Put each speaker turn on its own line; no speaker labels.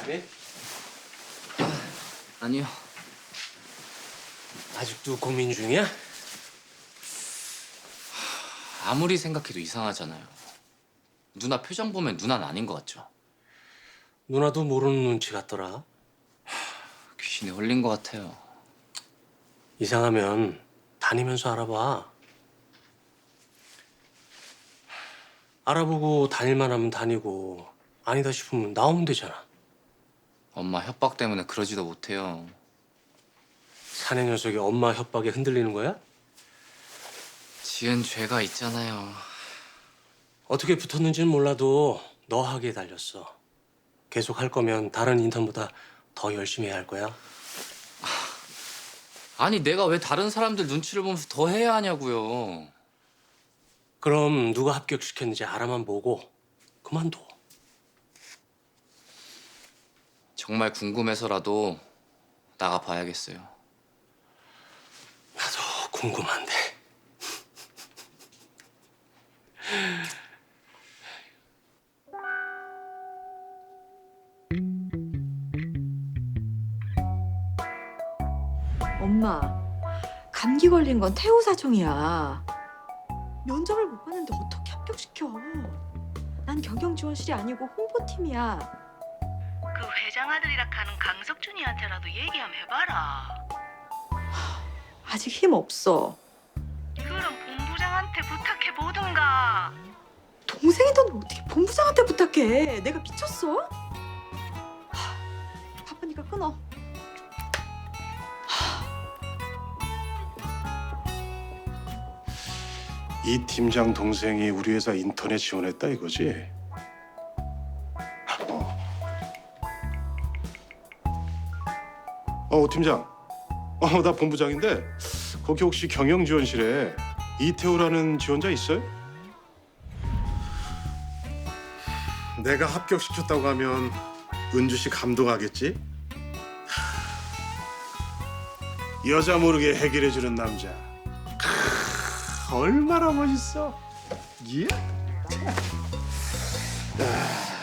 네?
아니요.
아직도 고민 중이야?
아무리 생각해도 이상하잖아요. 누나 표정 보면 누나는 아닌 것 같죠?
누나도 모르는 눈치 같더라.
귀신에 홀린 것 같아요.
이상하면 다니면서 알아봐. 알아보고 다닐만 하면 다니고 아니다 싶으면 나오면 되잖아.
엄마 협박 때문에 그러지도 못해요.
사내 녀석이 엄마 협박에 흔들리는 거야?
지은 죄가 있잖아요.
어떻게 붙었는지는 몰라도 너 하기에 달렸어. 계속 할 거면 다른 인턴보다 더 열심히 해야 할 거야.
아니 내가 왜 다른 사람들 눈치를 보면서 더 해야 하냐고요.
그럼 누가 합격시켰는지 알아만 보고 그만둬.
정말 궁금해서라도 나가 봐야겠어요.
나도 궁금한데.
엄마, 감기 걸린 건 태우 사정이야. 면접을 못 봤는데 어떻게 합격시켜? 난 경영지원실이 아니고 홍보팀이야.
그 회장 아들이라 하는 강석준이한테라도 얘기 한번 해봐라.
아직 힘 없어.
그럼 본부장한테 부탁해 보든가.
동생이 넌 어떻게 본부장한테 부탁해? 내가 미쳤어? 바쁘니까 끊어.
이 팀장 동생이 우리 회사 인턴에 지원했다 이거지? 팀장. 나 본부장인데 거기 혹시 경영지원실에 이태호라는 지원자 있어요? 내가 합격시켰다고 하면 은주 씨 감동하겠지? 여자 모르게 해결해주는 남자. 얼마나 멋있어. 예?